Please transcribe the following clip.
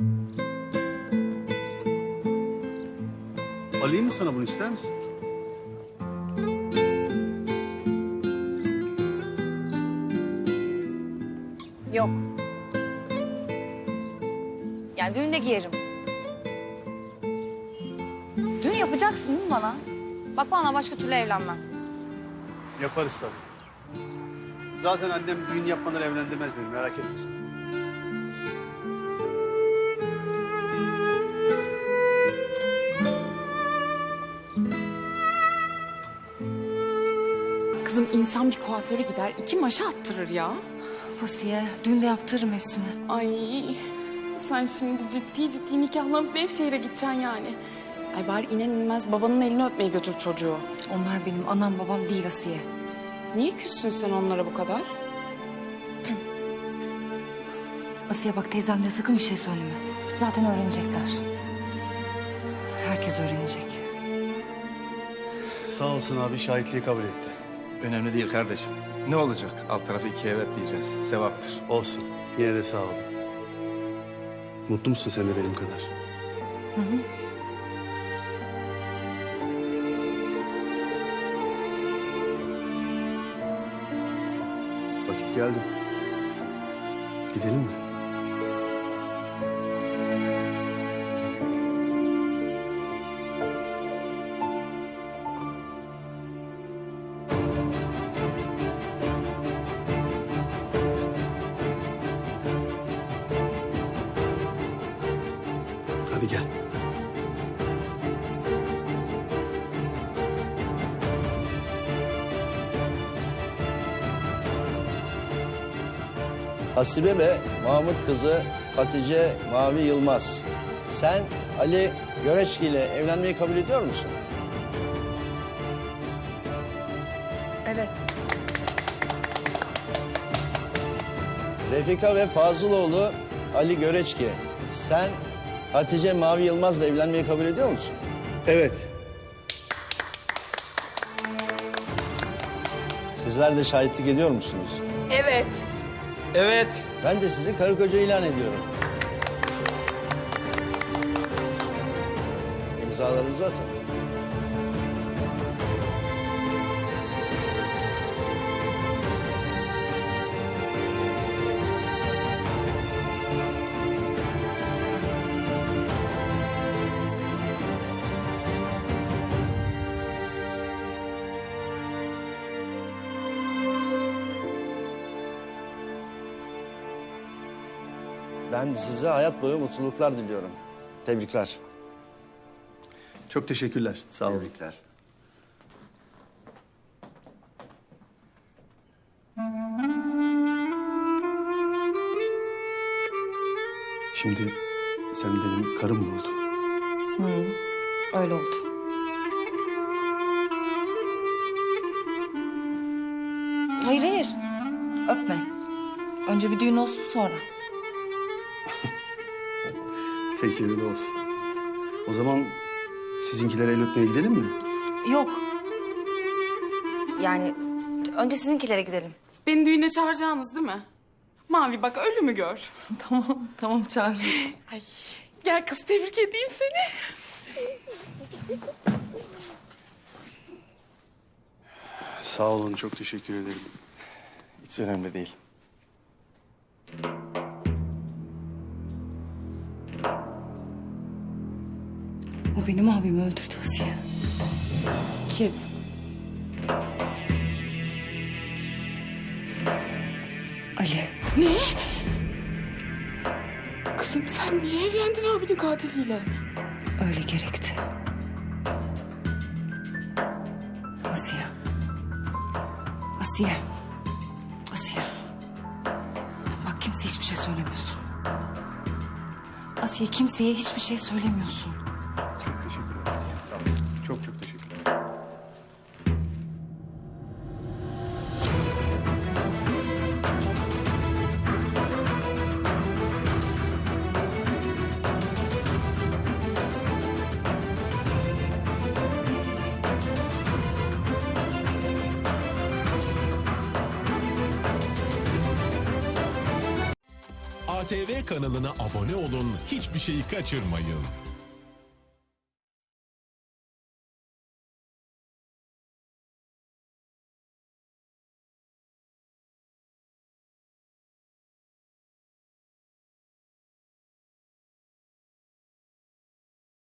Alayım mı sana bunu, ister misin? Yok. Yani düğünde giyerim. Düğün yapacaksın değil mi bana? Bak bana başka türlü evlenmem. Yaparız tabii. Zaten annem düğün yapmadan evlendirmez beni, merak etme sen. Kızım insan bir kuaföre gider, 2 maşa attırır ya. Asiye, düğünde yaptırırım hepsini. Ay sen şimdi ciddi nikahlanıp Nevşehir'e gideceksin yani. Ay bari iner inmez babanın elini öpmeye götür çocuğu. Onlar benim anam babam değil Asiye. Niye küssün sen onlara bu kadar? Asiye bak, teyzemlere sakın bir şey söyleme. Zaten öğrenecekler. Herkes öğrenecek. Sağ olsun abi, şahitliği kabul etti. Önemli değil kardeşim. Ne olacak? Alt tarafı 2 evet diyeceğiz. Sevaptır. Olsun, yine de sağ ol. Mutlu musun sen de benim kadar? Hı hı. Vakit geldi. Gidelim mi? Hadi gel. Hasibe ve Mahmut kızı Hatice Mavi Yılmaz. Sen Ali Göreçki ile evlenmeyi kabul ediyor musun? Evet. Refika ve Fazıloğlu Ali Göreçki. Sen Hatice Mavi Yılmaz'la evlenmeyi kabul ediyor musun? Evet. Sizler de şahitlik ediyor musunuz? Evet. Evet. Ben de sizi karı koca ilan ediyorum. İmzalarınızı atın. Ben size hayat boyu mutluluklar diliyorum. Tebrikler. Çok teşekkürler. Sağ olun. Tebrikler. Şimdi sen benim karım mı oldun? Öyle oldu. Hayır hayır. Öpme. Önce bir düğün olsun sonra. Peki öyle olsun. O zaman sizinkilere el öpmeye gidelim mi? Yok. Yani önce sizinkilere gidelim. Beni düğüne çağıracaksınız değil mi? Mavi bak ölümü gör. Tamam çağır. Ay gel kız tebrik edeyim seni. Sağ olun, çok teşekkür ederim. Hiç önemli değil. O benim abimi öldürdü Asiye. Kim? Ali. Ne? Kızım sen niye evlendin abinin katiliyle? Öyle gerekti. Asiye. Asiye. Asiye. Bak kimseye hiçbir şey söylemiyorsun. Asiye, kimseye hiçbir şey söylemiyorsun. Çok teşekkür ederim. Çok çok teşekkür ederim. ATV kanalına abone olun, hiçbir şeyi kaçırmayın.